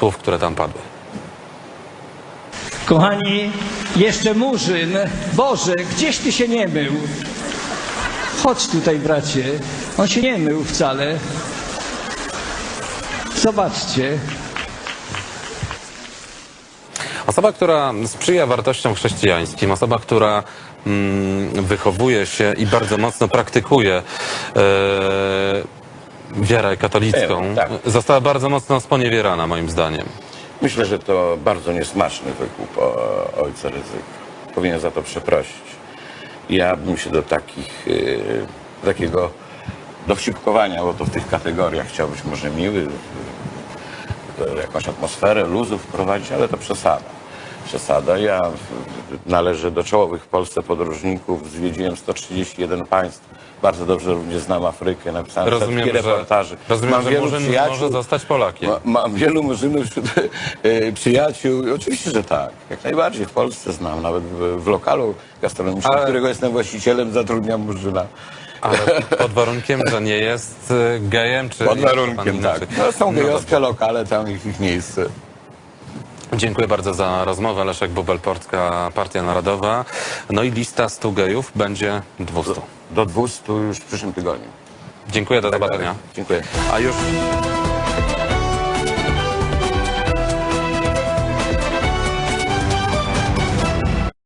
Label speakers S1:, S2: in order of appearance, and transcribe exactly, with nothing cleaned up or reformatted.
S1: słów, które tam padły.
S2: Kochani, jeszcze Murzyn. Boże, gdzieś ty się nie mył? Chodź tutaj, bracie. On się nie mył wcale. Zobaczcie.
S1: Osoba, która sprzyja wartościom chrześcijańskim, osoba, która mm, wychowuje się i bardzo mocno praktykuje e, wiarę katolicką,
S3: E, tak.
S1: została bardzo mocno sponiewierana, moim zdaniem.
S3: Myślę, że to bardzo niesmaczny wykup o, ojca Rydzyka. Powinien za to przeprosić. Ja bym się do takich, y, takiego dowcipkowania, bo to w tych kategoriach chciał być może miły, y, jakąś atmosferę luzu wprowadzić, ale to przesada. Przesada. Ja y, należę do czołowych w Polsce podróżników, zwiedziłem sto trzydzieści jeden państw. Bardzo dobrze również znam Afrykę, napisałem
S1: Rozumiem,
S3: setki
S1: że,
S3: reportaży.
S1: rozumiem,
S3: Mam
S1: że
S3: wielu
S1: Murzyn
S3: przyjaciół.
S1: może zostać Polakiem.
S3: Ma, mam wielu murzynów wśród e, przyjaciół. Oczywiście, że tak. Jak najbardziej. W Polsce znam. Nawet w, w lokalu gastronomicznym,
S1: Ale-
S3: którego jestem właścicielem, zatrudniam murzyna.
S1: Ale pod warunkiem, że nie jest y, gejem, czy...
S3: Pod
S1: jest pan
S3: warunkiem,
S1: inaczej.
S3: tak. No, są
S1: No
S3: gejowskie
S1: dobrze.
S3: lokale, tam ich, ich miejsce.
S1: Dziękuję bardzo za rozmowę. Leszek Bubel, Polska Partia Narodowa. No i lista stu gejów będzie dwieście.
S3: Do dwustu już w przyszłym tygodniu.
S1: Dziękuję, do zobaczenia.
S3: Dziękuję.
S1: A już...